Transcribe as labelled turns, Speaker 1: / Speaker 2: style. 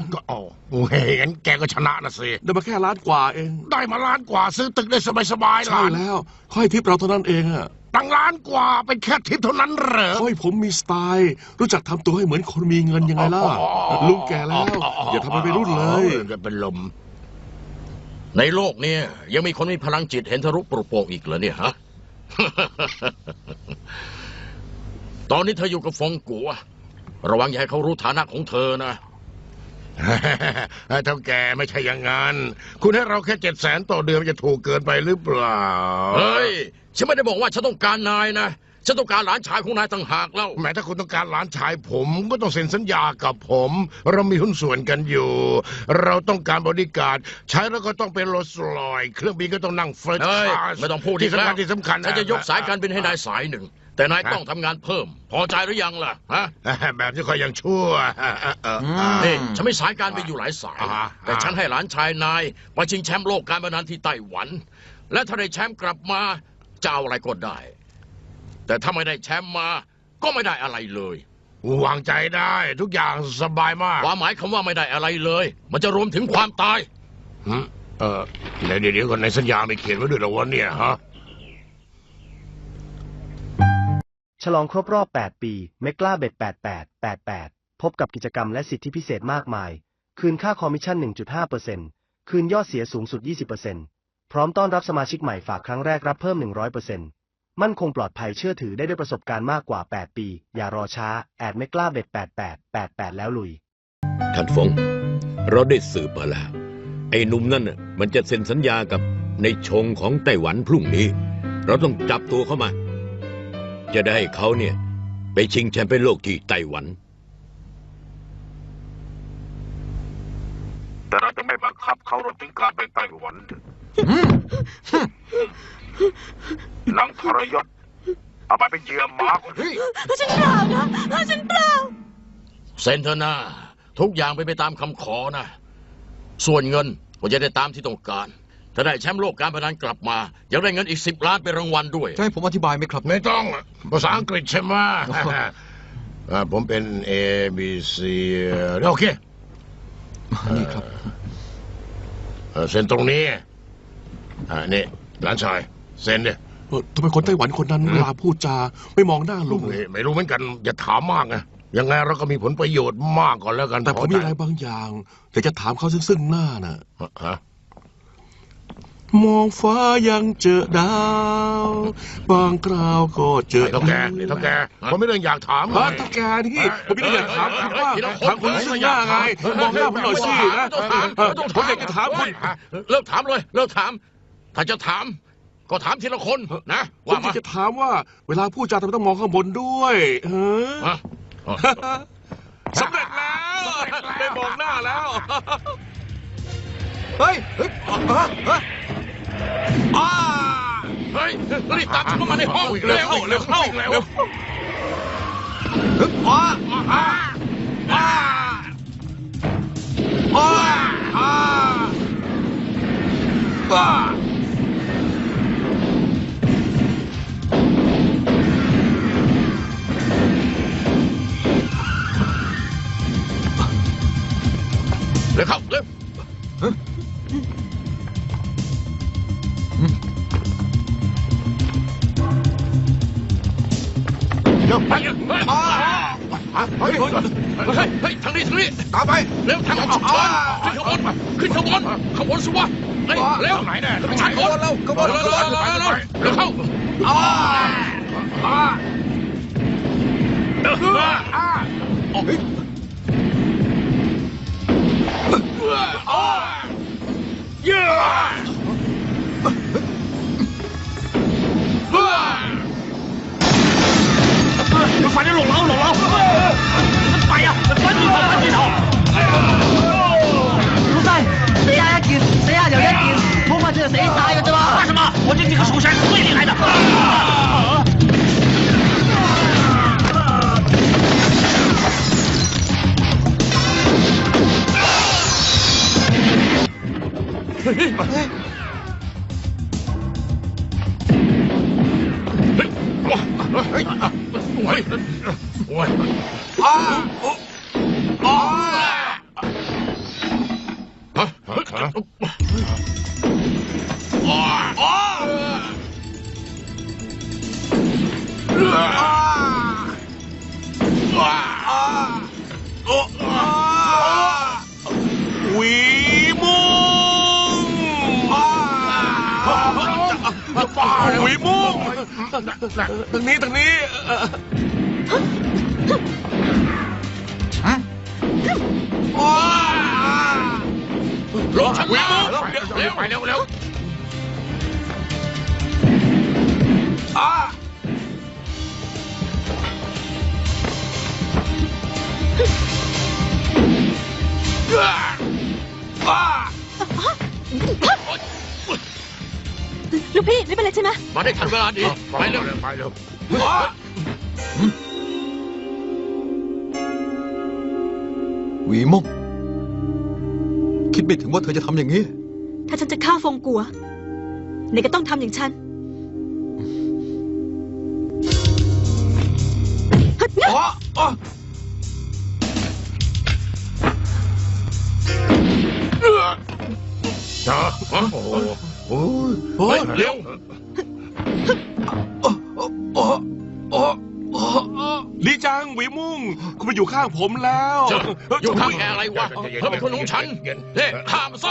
Speaker 1: ก็โอ้เห็นแกก็ชนะนะสิ
Speaker 2: ได้มาแค่ล้านกว่าเอง
Speaker 1: ได้มาล้านกว่าซื้อตึกได้สบายๆ
Speaker 2: ใช่แล้วค่อยทิปเราเท่านั้นเองอะ
Speaker 1: ตั้งล้านกว่าเป็นแค่ทิปเท่านั้นเหรอ
Speaker 2: ค่อยผมมีสไตล์รู้จักทำตัวให้เหมือนคนมีเงินยังไงล่ะลุงแก่แล้วอย่าทำเป็นรุ่นเลย
Speaker 1: จะเป็นลม
Speaker 3: ในโลกนี้ยังมีคนมีพลังจิตเห็นทะลุปรุโปร่งอีกเหรอเนี่ยฮะ ตอนนี้เธออยู่กับฟงกัวระวังอย่าให้เขารู้ฐานะของเธอนะ
Speaker 1: เท่าแกไม่ใช่อย่างนั้นคุณให้เราแค่700,000ต่อเดือนจะถูกเกินไปหรือเปล่า
Speaker 3: เฮ้ยฉันไม่ได้บอกว่าฉันต้องการนายนะฉันต้องการหลานชายของนายต่างหากแล้ว
Speaker 1: แม้ถ้าคุณต้องการหลานชายผมก็ต้องเซ็นสัญญากับผมเรามีหุ้นส่วนกันอยู่เราต้องการบริการใช้แล้วก็ต้องเป็นโรลส์รอยซ์เครื่องบินก็ต้องนั่งเฟิร์สคลาส
Speaker 3: ไม่ต้องพูด
Speaker 1: ที่สำคัญ
Speaker 3: ฉันจะยกสายการบินให้นายสายหนึ่งแต่นายต้องทำงานเพิ่มพอใจหรือยังล่ะฮะ
Speaker 1: แบบนี้ก็ยังชั่ว
Speaker 3: นี่ฉันไม่สายการบินอยู่หลายสายแต่ฉันให้หลานชายนายมาชิงแชมป์โลกการพนันที่ไต้หวันและถ้าได้แชมป์กลับมาจะเอาอะไรก็ได้แต่ถ้าไม่ได้แชมป์มาก็ไม่ได้อะไรเล
Speaker 1: ยวางใจได้ทุกอย่างสบายมาก
Speaker 3: ความหมายคำว่าไม่ได้อะไรเลยมันจะรวมถึงความตาย
Speaker 1: เดี๋ยวก่อนในสัญญาไม่เขียนไว้ด้วยหรอวะเนี่ยฮะ
Speaker 4: ฉลองครบรอบ8ปีเมกล้าเบ็ด88พบกับกิจกรรมและสิทธิพิเศษมากมายคืนค่าคอมมิชชั่น 1.5% คืนยอดเสียสูงสุด 20%พร้อมต้อนรับสมาชิกใหม่ฝากครั้งแรกรับเพิ่ม 100%มั่นคงปลอดภัยเชื่อถือได้ด้วยประสบการณ์มากกว่า8ปีอย่ารอช้าแอดเมกล้าเบ็ด88แล้วลุย
Speaker 5: ท่านฟงเราได้สืบมาแล้วไอ้หนุ่มนั่นน่ะมันจะเซ็นสัญญากับในชงของไต้หวันพรุ่งนี้เราต้องจับตัวเข้ามาจะได้ให้เขาเนี่ยไปชิงแชมป์เป็นโลกที่ไต้หวัน
Speaker 1: แต่เราจะไม่บังคับเขารวมถึงการไปไต้หวันนังทรยศเอาไปเป็นเหยื่อหมาคนนี้
Speaker 6: ฉันเปล่านะฉันเปล่า
Speaker 3: เซนเทอร์นาทุกอย่างไปตามคำขอนะส่วนเงินก็จะได้ตามที่ต้องการถ้าได้แชมป์โลกการพนันกลับมายังได้เงินอีก10 ล้านเป็นรางวัลด้วย
Speaker 2: จะให้ผมอธิบายไหมครับ
Speaker 1: ไม่ต้องภาษาอังกฤษใช่ไหมผมเป็น A B C โอเค
Speaker 2: นี่ครับ
Speaker 1: เซ็นตรงนี้นี่หลานชายเซ็นดิ
Speaker 2: ทำไมคนไต้หวันคนนั้นเวลาพูดจาไม่มองหน้าลุง
Speaker 1: ไม่รู้เหมือนกันอย่าถามมากนะยังไงเราก็มีผลประโยชน์มากก่อนแล้วกัน
Speaker 2: แต่ผมมีอะไรบางอย่างแต่จะถามเขาซึ่งหน้าน่ะมองฟ้ายังเจอดาวบางคราวก็เจอ
Speaker 1: เท่าแกผมไม่เรื่องอยากถาม
Speaker 2: เท่าแกนี่ผมไม่ได้อยากถามคุณว่าถามคุณซึ่งหน้าไงมองหน้าผมหน่อยสินะผมอยากจะถามคุณ
Speaker 3: เลิกถามเลยเลิกถามถ้าจะถามก็ถามทีละคนนะ
Speaker 2: ผมจะถามว่าเวลาพูดจาทำไมต้องมองข้างบนด้วยสำเร็จแล้วได้มองหน้าแล้วเฮ้ย
Speaker 3: รีบตามฉันเข้ามาในห้องเร็วเข้าเร็วไปทางนี้
Speaker 1: ตามไป
Speaker 3: เร็วทางฉุกเฉินขึ้นขบวนสิวะเร็ว
Speaker 1: ไหนเนี่ย
Speaker 3: ไม่ใช่คนเร็วเข้า
Speaker 6: 快点拢牢！快呀，赶紧跑！老細，死下一件，死下又一件，好快就死晒㗎啫嘛！怕什麼？我這幾個手下是最厲害的。
Speaker 2: วีมุงวีมุงทางนี้
Speaker 3: ลงชั้น
Speaker 2: วี
Speaker 3: ล่า
Speaker 2: มุ
Speaker 3: ง
Speaker 2: ง
Speaker 3: เร็วไปเร็ว
Speaker 7: ลูกพี่ไม่เป็นไรใช่ไหม
Speaker 3: มาได้ทันเวลาดีไปเร็ว
Speaker 1: ไปเร็ว
Speaker 8: หวีมงคิดไม่ถึงว่าเธอจะทำอย่างนี้
Speaker 7: ถ้าฉันจะฆ่าฟงกัวไหนก็ต้องทำอย่างฉัน
Speaker 1: โอ้โหโอ้ย
Speaker 3: เฮ้ยเร็ว
Speaker 2: ลีจังหวีมุงคุณมาอยู่ข้างผมแล้ว
Speaker 3: อยู่ข้างแกอะไรวะเธอเป็นคนของฉันเฮ้ห้าม